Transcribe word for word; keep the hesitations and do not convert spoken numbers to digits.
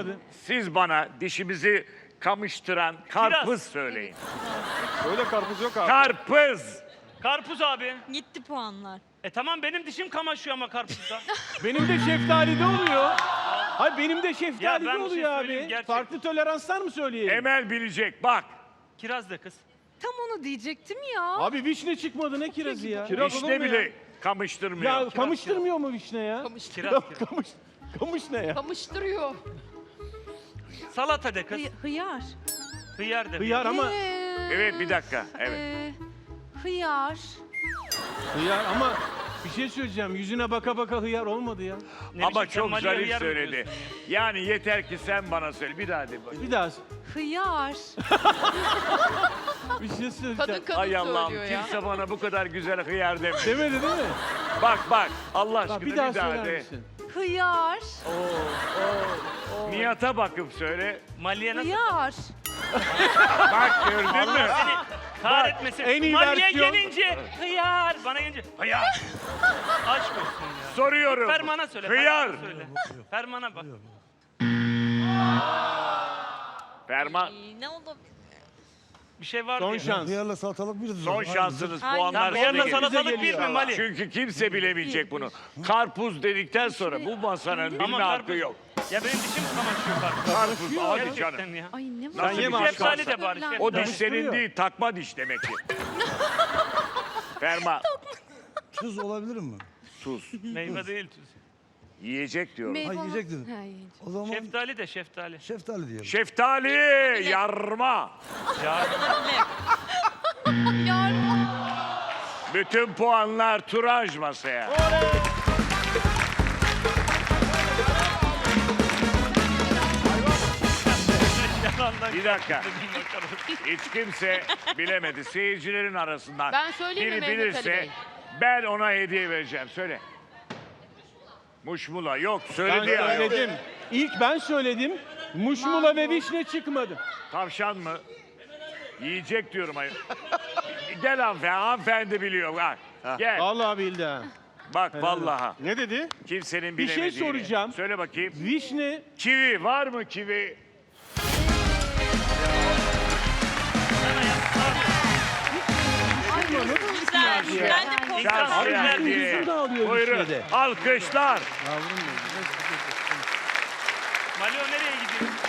çıkmadı. Siz bana dişimizi kamıştıran karpuz Kiraz. söyleyin. Öyle karpuz yok abi. Karpuz. Karpuz abi. Gitti puanlar. E tamam benim dişim kamaşıyor ama karpuzda. Benim de şeftalide oluyor. Hayır benim de Ya şeftalide ben bir şey oluyor söyleyeyim, abi. gerçekten. Farklı toleranslar mı söyleyelim? Emel bilecek bak. Kiraz da kız. Tam onu diyecektim ya. Abi vişne çıkmadı ne kirazı ya? Kiraz olur Vişne mu bile ya? kamıştırmıyor. Ya kamıştırmıyor mu vişne ya? Kamış, Kiraz, Ya kiraz. kamış, kamış ne ya? kamıştırıyor. Salata de kız. Hıy- hıyar. Hıyar de. Hıyar ama Ee, Evet bir dakika. Evet. ee, hıyar. hıyar ama bir şey söyleyeceğim. Yüzüne baka baka hıyar olmadı ya. Ne Ama biçim, sen çok Mali'ye zarif hıyar mı söyledi. diyorsun Yani yeter ki sen bana söyle. Bir daha de bak. Bir daha Hıyar. bir şey söyleyeceğim. Kadın kadın Ay Allah'ım söylüyor ya. kimse bana bu kadar güzel hıyar demedi. Demedi değil mi? Bak bak Allah aşkına Bak bir daha söyler de. misin? Hıyar. Nihat'a bakıp söyle. Maliye nasıl? Hıyar. Bak gördün mü? Allah seni kahretmesin. en iyi Maliye versiyon- gelince hıyar. Bana gelince hıyar. Aşk olsun ya. Soruyorum. Ferman'a söyle. Hıyar. Ferman'a söyle. Ferman'a bak. Ferman Ay, ne oldu? Bir şey var Son diye. şans. Hıyarla salatalık bir son şansınız Aynen. puanlar Lan hıyarla size geliyor. salatalık bir mi geliyor. Mali? Çünkü kimse bilemeyecek bunu. Karpuz dedikten sonra bu masanın bilme Ama hakkı karpuz- yok. Ya benim dişim kamaşıyor karpuz. Karpuz hadi canım. Gerçekten ya. Ay ne var? Nasıl yeme bir aşk Şeftali şans? de bari. O O şeftali. diş senin değil takma diş demek ki. Ferma Tuz olabilir mi? tuz. Meyve değil tuz. Yiyecek diyorum. Meyve Ha, olmaz. yiyecek dedin. Ha, yiyecek. O zaman Şeftali de şeftali. şeftali diyelim. Şeftali yarma. Ya Yar. Bütün puanlar turaj masaya. yalandan. Bir dakika. Hiç kimse bilemedi. Seyircilerin arasından Ben söyleyeyim mi biri Mehmet Ali bilirse Bey? ben ona hediye vereceğim. Söyle. Muşmula yok Ben söyledi ya. söyledim. İlk ben söyledim. Muşmula ve vişne çıkmadı. Tavşan mı? Yiyecek diyorum ayol. Gel hanımefendi, hanımefendi biliyor. Bak. Gel. Vallahi bildi ha. Bak vallahi. Ne dedi? Kimsenin Bir şey bilemediğini. soracağım. Söyle bakayım. Vişne Kivi var mı kivi? Güzel. ya. Ben de korktum. Şans Abi, geldi. yüzüm dağılıyor Buyurun. vişnede. Alkışlar. Yavrum benim. Mali o nereye gidiyor?